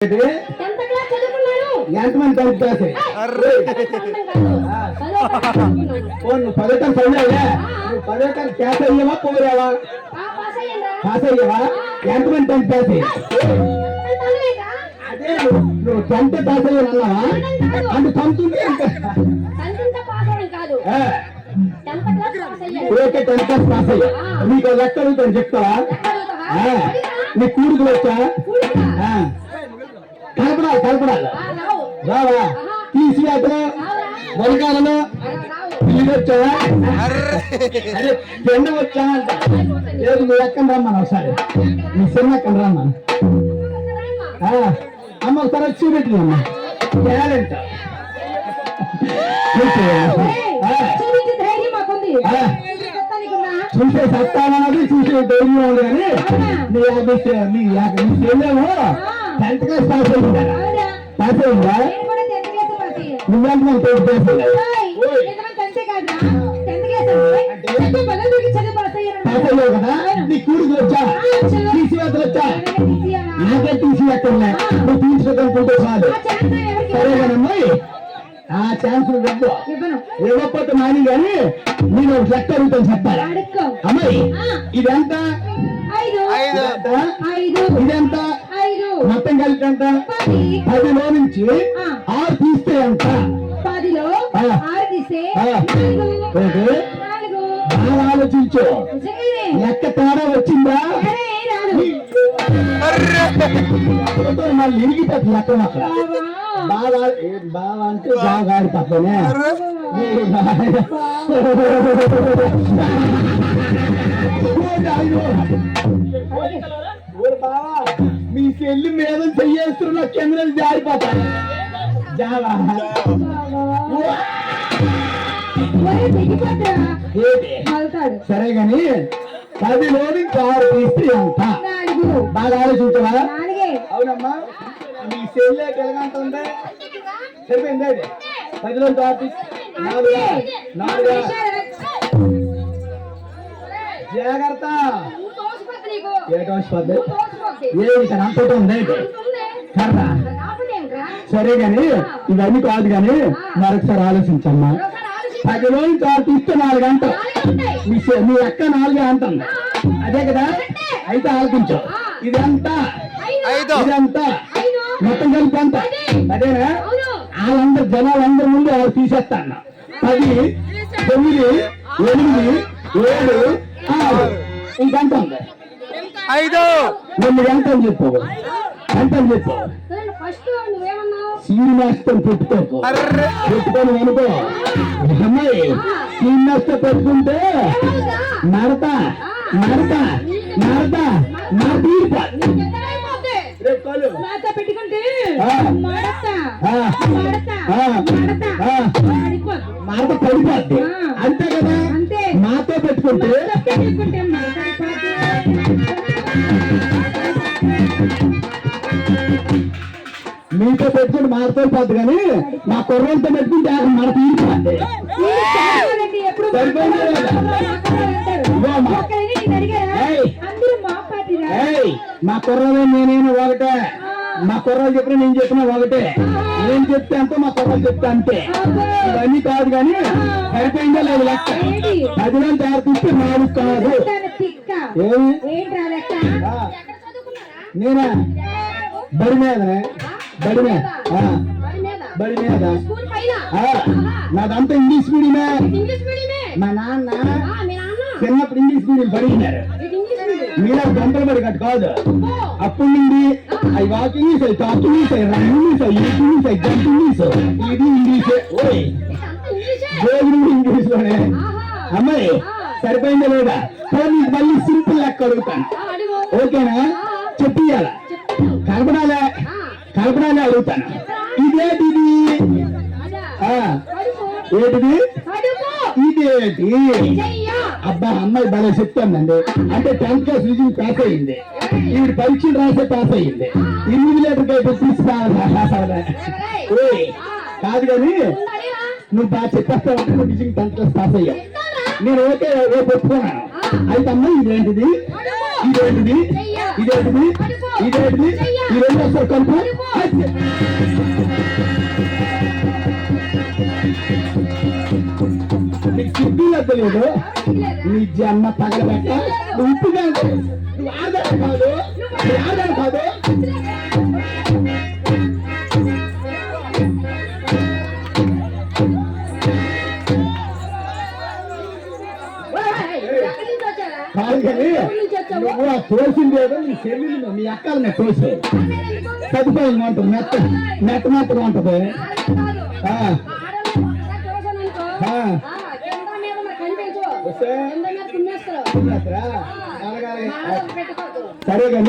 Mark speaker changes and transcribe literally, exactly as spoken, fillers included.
Speaker 1: ఎంతమంది కలిసి పదటం చదివావా నువ్వు పదటం క్యాస్ అయ్యావా పోరావా పాస్ అయ్యావా ఎంతమంది కలిసి అదే నువ్వు టెన్త్ పాస్ అయ్యావా అంటే పంతుంది ఓకే టెన్త్ క్లాస్ పాస్ అయ్యా నీకు లెక్క అడుగుతాను చెప్తావా నీ కూడుకులు వచ్చా కలపడాలి కలపడాలి రావా తీసి అతను వలకాలలో పిల్లి వచ్చావా అరే పెండ వచ్చా లేదు నువ్వు ఎక్కడ రమ్మను ఒకసారి నీ చిన్న ఎక్కడ రమ్మను అమ్మ ఒకసారి వచ్చి చూపెట్టి అమ్మ టాలెంట్ చూసే సత్తానది చూసే ధైర్యం ఉంది కానీ నీ నీ నీ చెల్లెమో టెన్త్ క్లాస్ పాస్ అయిందా పాస్ అయిందా నువ్వెంత మంది టెన్త్ క్లాస్ పాస్ అయ్యావు కదా నీ కూడుకు వచ్చా టీసీ వద్దలు వచ్చా నాకే టీసీ ఎక్కడ నువ్వు తీసుకోనుకుంటే చాలు సరేగానమ్మాయి ఆ ఛాన్స్ ఇవ్వకపోతే మాని కానీ నేను ఒక లెక్క అడుగుతాను చెప్పాలి అమ్మాయి ఇదెంత ఇదెంత మొత్తం కలిపి ఎంత పదిలో నుంచి ఆరు తీస్తే ఎంత బాగా ఆలోచించు లెక్క తేడా వచ్చిందా మళ్ళీ ఇరిగిపోతుంది లెక్క అక్కడ బాగా బాగా అంటే బాగా ఆడిపోతానే బావా మీ చెల్లి మీద చెయ్యేస్తున్న చంద్రులు జారిపోతాను జావా సరే గాని పదిలో నుంచి ఆరు తీస్తే ఎంత బాగా ఆలోచించవా అవునమ్మా మీ చెల్లి ఎలాగంట ఉంది సరిపోయింది అది పదిలో ఆరు తీస్తే నాలుగా నాలుగా జాగ్రత్త అంతటా ఉంది కర్రా సరే గాని ఇవన్నీ కాదు గాని మరొకసారి ఆలోచించమ్మా పదిలో నుంచి ఆరు తీస్తే నాలుగు అంట మీ అక్క నాలుగే అంటుంది అదే కదా అయితే ఆలోచించు ఇదంతా ఇదంతా మొత్తం కలిపి అంత అదేనా వాళ్ళందరు జనాలందరి ముందు ఆరు తీసేస్తాను పది తొమ్మిది ఎనిమిది ఏడు ఆరు ఇంకెంత ఉంది ఐదు నువ్వు ఎంత అని చెప్పు ఎంత అని చెప్పు శ్రీనివాస్తో పెట్టుకోకు పెట్టుకొని అనుకో అమ్మాయి శ్రీనివాస్తో పెట్టుకుంటే నడత నడత నడత పెట్టుకుంటే మాట పడిపోద్ది అంతే కదా మాతో పెట్టుకుంటే మీతో పెట్టుకుంటే మాతో పోద్ది కానీ మా కుర్రంతో పెట్టుకుంటే మన తీరిపోద్ది మా కుర్రలో నేనేమో ఒకటే మా కుర్రలు చెప్పిన నేను చెప్పిన ఒకటే నేను చెప్తే అంతే మా కుర్రలు చెప్తే అంతే ఇవన్నీ కాదు కానీ సరిపోయిందా లేదు లెక్క పదివేలు తయారు తీస్తే నాలుగు కాదు నేనా బడి మీదనే బడి మీద బడి మీద నాదంతా ఇంగ్లీష్ మీడియమే మా నాన్న చిన్నప్పుడు ఇంగ్లీష్ మీడియం పడినారు మీలో గంటలు పడి కట్టు కాదు అప్పుడు నుండి అవి వాక్ ఇంగ్లీష్ అవి టాక్ ఇంగ్లీష్ అవి రన్ ఇంగ్లీష్ అవి ఈట్ ఇంగ్లీష్ అవి జంప్ ఇంగ్లీష్ ఇది ఇంగ్లీషే ఓయ్ గోగులు ఇంగ్లీష్ లోనే అమ్మాయి సరిపోయిందా లేదా నీకు మళ్ళీ సింపుల్ లెక్క అడుగుతాను ఓకేనా చెప్పియాల కలపడాలే కలపడాలే అడుగుతాను ఇదేటిది ఏంటిది ఇదేటి అబ్బా అమ్మాయి బాగా చెప్తానండి అంటే టెన్త్ క్లాస్ రిజల్ట్ పాస్ అయ్యింది ఈవిడ పరీక్షలు రాసే పాస్ అయ్యింది ఎనిమిది లీటర్ అయితే తీసుకురా కాదు కానీ నువ్వు బాగా చెప్పేస్తావంటే నువ్వు నిజంగా టెన్త్ క్లాస్ పాస్ అయ్యావు నేను ఓకే రేపు ఒప్పుకున్నాను అయితే అమ్మాయి ఇదేంటిది ఇదేంటిది ఇదేంటిది ఇదేంటిది ఈ రెండు వస్తారు కలుపు నీకు సిద్ధి లేదు నీ జన్మ తగలబెట్ట నువ్వు ఉప్పుగా నువ్వు ఆడదాడు కాదు నువ్వు ఆడదాడు కాదు కాదు కానీ నువ్వు ఆ తోసింది ఏదో నీ చెల్లి మీ అక్కలు నేను తోసే సదుపాయంగా ఉంటుంది మెత్త మెత్త మెత్తగా ఉంటుంది సరే కానీ